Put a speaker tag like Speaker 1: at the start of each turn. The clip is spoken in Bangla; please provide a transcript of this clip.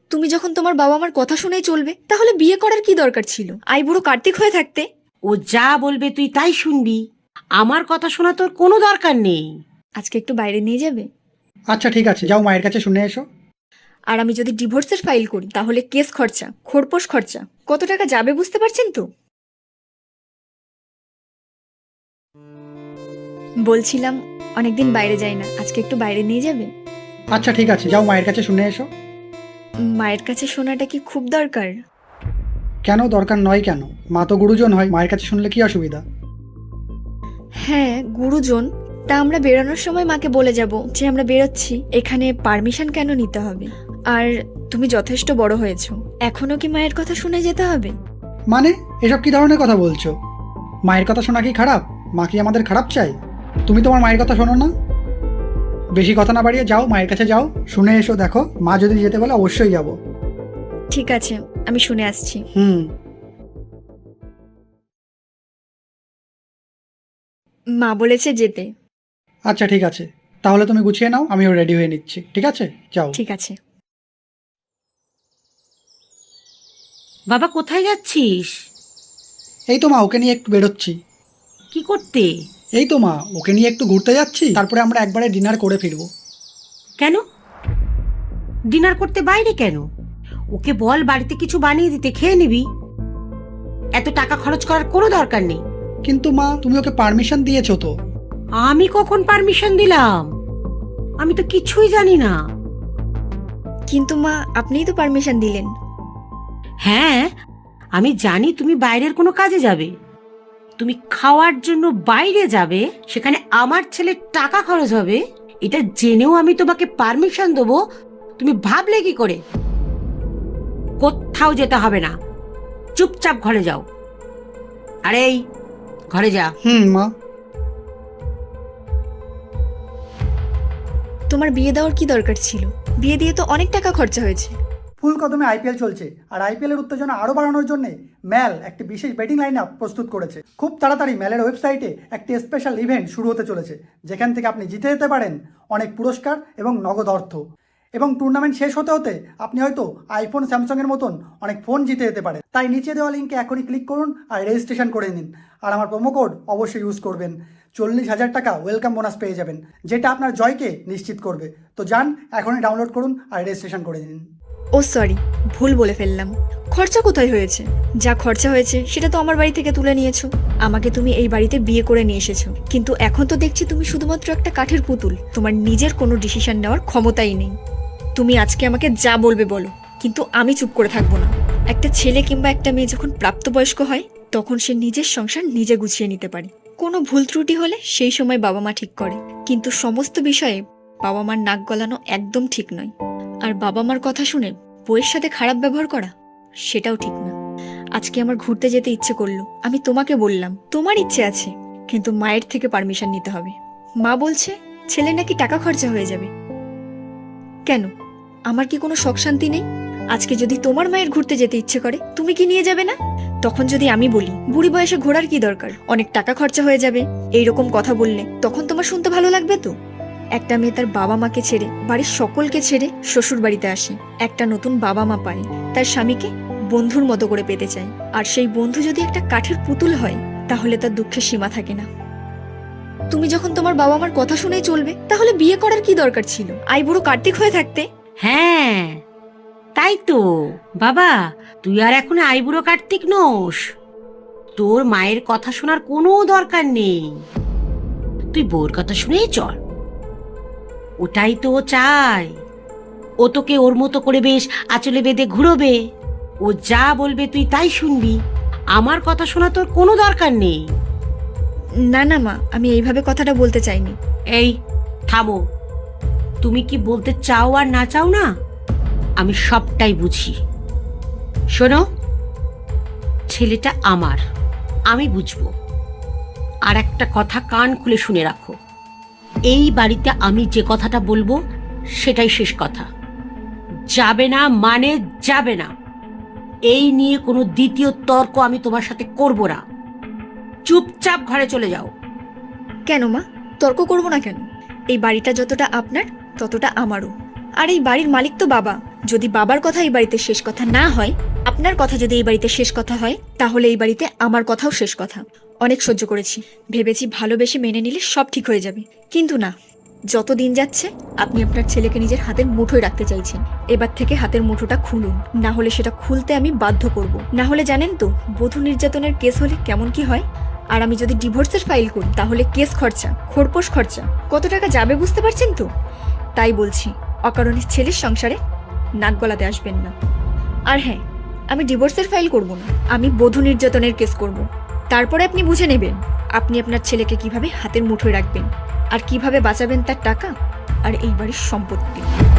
Speaker 1: তুমি যখন তোমার বাবা মার কথা শুনেই চলবে, তাহলে বিয়ে করার কি দরকার ছিল? আইবুড়ো কার্তিক হয়ে থাকতে।
Speaker 2: ও যা বলবে তুই তাই শুনবি। আমার কথা শোনা তোর কোনো দরকার নেই।
Speaker 1: আজকে একটু বাইরে নিয়ে যাবে?
Speaker 3: আচ্ছা ঠিক আছে, যাও মায়ের কাছে শুনে এসো।
Speaker 1: আর আমি যদি ডিভোর্সের ফাইল করি, তাহলে কেস খরচা, খোরপোশ খরচা কত টাকা যাবে বুঝতে পারছেন তো? বলছিলাম অনেকদিন বাইরে যাই না, আজকে একটু বাইরে নিয়ে যাবে?
Speaker 3: আচ্ছা ঠিক আছে, যাও মায়ের কাছে শুনে এসো।
Speaker 1: মায়ের কাছে শোনাটা কি খুব দরকার?
Speaker 3: কেন দরকার নয় কেন? মা তো গুরুজন হয়, মায়ের কাছে শুনলে কি অসুবিধা?
Speaker 1: হ্যাঁ, গুরুজন। তা আমরা বেরোনোর সময় মাকে বলে যাব যে আমরা বেরোচ্ছি, এখানে পারমিশন কেন নিতে হবে? আর তুমি যথেষ্ট বড় হয়েছো, এখনো কি মায়ের কথা শুনে যেতে হবে?
Speaker 3: মানে এসব কি ধরনের কথা বলছো? মায়ের কথা শোনা কি খারাপ? মা কি আমাদের খারাপ চাই? তুমি তোমার মায়ের কথা শোনো না? বেশি কথা না বাড়িয়ে যাও, মায়ের কাছে যাও, শুনে এসো। দেখো, মা যদি যেতে বলে অবশ্যই যাব।
Speaker 1: ঠিক আছে, আমি শুনে আসছি। মা বলেছে যেতে।
Speaker 3: আচ্ছা ঠিক আছে, তাহলে তুমি গুছিয়ে নাও, আমিও রেডি হয়ে নিচ্ছি। ঠিক আছে, যাও।
Speaker 1: ঠিক আছে।
Speaker 2: বাবা কোথায় যাচ্ছিস?
Speaker 3: এই তো মা, ওকে নিয়ে একটু বেরোচ্ছি।
Speaker 2: কি করতে?
Speaker 3: এই তো মা, ওকে নিয়ে একটু ঘুরতে যাচ্ছি, তারপরে আমরা একবারে ডিনার করে ফিরবো।
Speaker 2: কেন ডিনার করতে বাইরে কেন? ওকে বল বাড়িতে কিছু বানিয়ে দিতে, খেয়ে নিবি। এত টাকা খরচ করার কোনো দরকার নেই।
Speaker 3: কিন্তু মা, তুমি ওকে পারমিশন দিয়েছো তো?
Speaker 2: আমি কখন পারমিশন দিলাম? আমি তো কিছুই জানি না।
Speaker 1: কিন্তু মা, আপনিই তো পারমিশন দিলেন।
Speaker 2: হ্যাঁ, আমি জানি তুমি বাইরের কোনো কাজে যাবে, তুমি খাওয়ার জন্য বাইরে যাবে, সেখানে আমার ছেলের টাকা খরচ হবে, এটা জেনেও আমি তোমাকে পারমিশন দেবো? তুমি ভাবলে কি করে? কোথাও যেতে হবে না, চুপচাপ ঘরে যাও। আরে এই ঘরে যা।
Speaker 3: মা।
Speaker 1: তোমার বিয়ে দেওয়ার কি দরকার ছিল? বিয়ে দিয়ে তো অনেক টাকা খরচা হয়েছে।
Speaker 3: ফুল কদমে আইপিএল চলছে, আর আইপিএল এর উত্তেজনা আরো বাড়ানোর জন্য ম্যাল একটি বিশেষ বেটিং লাইন আপ প্রস্তুত করেছে। খুব তাড়াতাড়ি ম্যালের ওয়েবসাইটে একটি স্পেশাল ইভেন্ট শুরু হতে চলেছে, যেখান থেকে আপনি জিতে যেতে পারেন অনেক পুরস্কার এবং নগদ অর্থ। এবং টুর্নামেন্ট শেষ হতে হতে আপনি হয়তো আইফোন, স্যামসাং এর মতন অনেক ফোন জিতে যেতে পারেন। তাই নিচে দেওয়া লিঙ্কে এখনই ক্লিক করুন আর রেজিস্ট্রেশন করে নিন। আর আমার প্রোমো কোড অবশ্যই ইউজ করবেন। 40,000 টাকা ওয়েলকাম বোনাস পেয়ে যাবেন, যেটা আপনার জয়কে নিশ্চিত করবে। তো যান, এখনই ডাউনলোড করুন আর রেজিস্ট্রেশন করে নিন।
Speaker 1: ও সরি, ভুল বলে ফেললাম। খরচা কোথায় হয়েছে? যা খরচা হয়েছে সেটা তো আমার বাড়ি থেকে তুলে নিয়েছো। আমাকে তুমি এই বাড়িতে বিয়ে করে নিয়ে এসেছো, কিন্তু এখন তো দেখছি তুমি শুধুমাত্র একটা কাঠের পুতুল। তোমার নিজের কোনো ডিসিশন নেওয়ার ক্ষমতাই নেই। তুমি আজকে আমাকে যা বলবে বলো, কিন্তু আমি চুপ করে থাকবো না। একটা ছেলে কিংবা একটা মেয়ে যখন প্রাপ্তবয়স্ক হয়, তখন সে নিজের সংসার নিজে গুছিয়ে নিতে পারে। কোনো ভুল ত্রুটি হলে সেই সময় বাবা মা ঠিক করে, কিন্তু সমস্ত বিষয়ে বাবা মার নাক গলানো একদম ঠিক নয়। আর বাবা মার কথা শুনে বউয়ের সাথে খারাপ ব্যবহার করা, সেটাও ঠিক না। আজকে আমার ঘুরতে যেতে ইচ্ছে করলো, আমি তোমাকে বললাম তোমার ইচ্ছে আছে, কিন্তু মায়ের থেকে পারমিশন নিতে হবে। মা বলছে ছেলে নাকি টাকা খরচা হয়ে যাবে। কেন, আমার কি কোনো শখ শান্তি নেই? আজকে যদি তোমার মায়ের ঘুরতে যেতে ইচ্ছে করে, তুমি কি নিয়ে যাবে না? তখন যদি আমি বলি বুড়ি বয়সে ঘোরার কি দরকার, অনেক টাকা খরচা হয়ে যাবে, এইরকম কথা বললে তখন তোমার শুনতে ভালো লাগবে তো? একটা মেয়ে তার বাবা মাকে ছেড়ে, বাড়ির সকলকে ছেড়ে শ্বশুর বাড়িতে আসে, একটা নতুন বাবা মা পায়, তার স্বামীকে বন্ধুর মতো করে পেতে চায়। আর সেই বন্ধু যদি একটা কাঠের পুতুল হয়, তাহলে তার দুঃখের সীমা থাকে না। তুমি যখন তোমার বাবা মার কথা শুনেই চলবে, তাহলে বিয়ে করার কি দরকার ছিল আইবুড়ো কার্তিক হয়ে থাকতে?
Speaker 2: হ্যাঁ তাই তো বাবা, তুই আর এখন আইবুড়ো কার্তিক নোস। তোর মায়ের কথা শোনার কোনো দরকার নেই, তুই বউর কথা শুনেই চল। ওটাই তো ও চায়। ও তোকে ওর মতো করে বেশ আঁচলে বেঁধে ঘুরোবে, ও যা বলবে তুই তাই শুনবি। আমার কথা শোনা তোর কোনো দরকার নেই।
Speaker 1: না না মা, আমি এইভাবে কথাটা বলতে চাইনি।
Speaker 2: এই থামো, তুমি কি বলতে চাও আর না চাও না আমি সবটাই বুঝি। শোনো, ছেলেটা আমার, আমি বুঝবো। আর একটা কথা কান খুলে শুনে রাখো, এই বাড়িতে আমি যে কথাটা বলবো সেটাই শেষ কথা। যাবে না মানে যাবে না, এই নিয়ে কোনো দ্বিতীয় তর্ক আমি তোমার সাথে করব না। চুপচাপ ঘরে চলে যাও।
Speaker 1: কেন মা, তর্ক করবো না কেন? এই বাড়িটা যতটা আপনার, ততটা আমারও। আর এই বাড়ির মালিক তো বাবা, যদি বাবার কথা এই বাড়িতে শেষ কথা না হয়, আপনার কথা যদি এই বাড়িতে শেষ কথা হয়, তাহলে এই বাড়িতে আমার কথাও শেষ কথা। অনেক সহ্য করেছি, ভেবেছি ভালোবেসে মেনে নিলে সব ঠিক হয়ে যাবে, কিন্তু না। যত দিন যাচ্ছে আপনি আপনার ছেলেকে নিজের হাতের মুঠোয় রাখতে চাইছেন। এবার থেকে হাতের মুঠোটা খুলুন, না হলে সেটা খুলতে আমি বাধ্য করব। না হলে জানেন তো বধূ নির্যাতনের কেস হলে কেমন কি হয়। আর আমি যদি ডিভোর্সের ফাইল করি তাহলে কেস খরচা, খোরপোশ খরচা কত টাকা যাবে বুঝতে পারছেন তো। তাই বলছি, অকারণে ছেলের সংসারে নাক গলাতে আসবেন না। আর হ্যাঁ, আমি ডিভোর্সের ফাইল করব না, আমি বধূ নির্যাতনের কেস করব। তারপরে আপনি বুঝে নেবেন আপনি আপনার ছেলেকে কিভাবে হাতের মুঠোয় রাখবেন আর কিভাবে বাঁচাবেন তার টাকা আর এই বাড়ির সম্পত্তি।